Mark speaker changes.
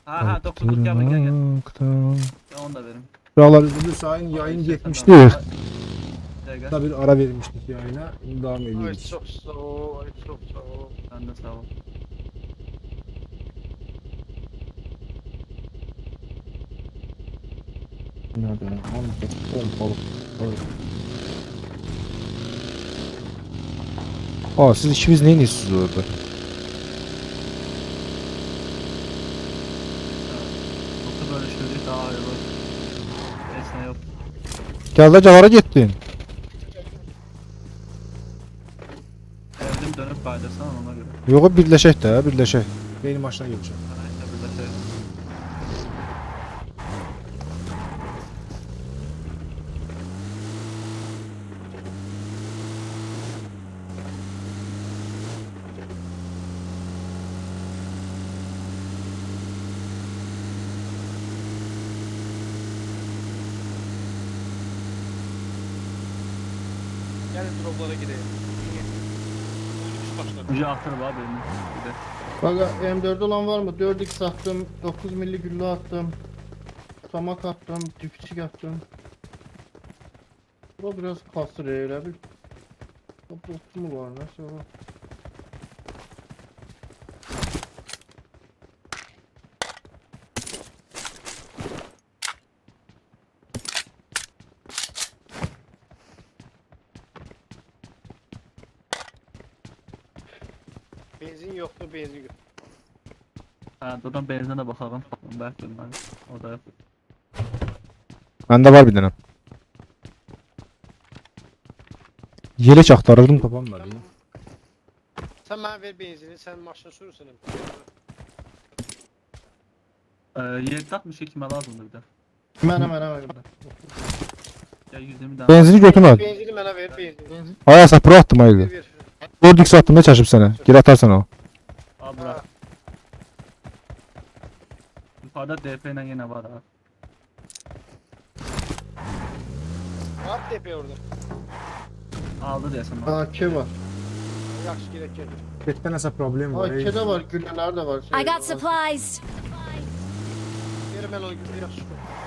Speaker 1: Ha 9'luk gel gel.
Speaker 2: Baktım.
Speaker 1: Ben onu da veririm.
Speaker 2: Buralar üzülürse yayın gitmişti.
Speaker 1: Gel gel.
Speaker 2: Tabii ara vermiştik yayına. Devam
Speaker 3: Ay
Speaker 2: ediyoruz.
Speaker 3: çok sağ ol, ay çok sağ ol.
Speaker 1: Sen de sağ ol.
Speaker 2: Nerede? Aa siz ikimiz neyin iyisiniz orada?
Speaker 1: Otur böyle şöyle daha iyi olur. Neyse yok.
Speaker 2: Gel de cavara gittin.
Speaker 1: Evdim dönüp paylaşsana ona göre.
Speaker 2: Yok birleşek de birleşek. Benim başına geleceğim.
Speaker 1: Neyse burada şey.
Speaker 3: Gelin droplara gidelim. Önümüz başladı.
Speaker 1: Ucu aktırıp abi benim. Bir de.
Speaker 4: Kanka M4 olan var mı? 4x attım, 9 milli güllü attım. Samak attım, dipçik attım. Bu biraz kasır öyle bir. Toplu mu var nasıl var?
Speaker 3: Benzin yoktu, benzin yok.
Speaker 1: Ha buradan benzine bakalım. Belki ben o da yok.
Speaker 2: Bende var bir tane. Yelek aktarırdım tapamadım.
Speaker 3: Sen bana ver benzini, sen maşına sürürsün.
Speaker 1: 762 kime lazımdı bir de.
Speaker 4: Hemen.
Speaker 1: Ya 120 tane.
Speaker 2: Benzini götürme.
Speaker 3: Benzini bana ver, benzini.
Speaker 2: Hayasa pro attım
Speaker 3: Ver,
Speaker 2: haydi.
Speaker 3: ver.
Speaker 2: 4x attım ne çaşıp sana. Gir atarsan o.
Speaker 1: Al bırak. Yukarıda DP ile yine var abi.
Speaker 3: At tepe orada.
Speaker 1: Aldı diye sana.
Speaker 4: AK var.
Speaker 3: Yaxşı gerek geldi.
Speaker 2: Betten asa problem var.
Speaker 4: AK de var, gülleler de var.
Speaker 5: I got supplies.
Speaker 3: Verim ben o gibi yaxşı.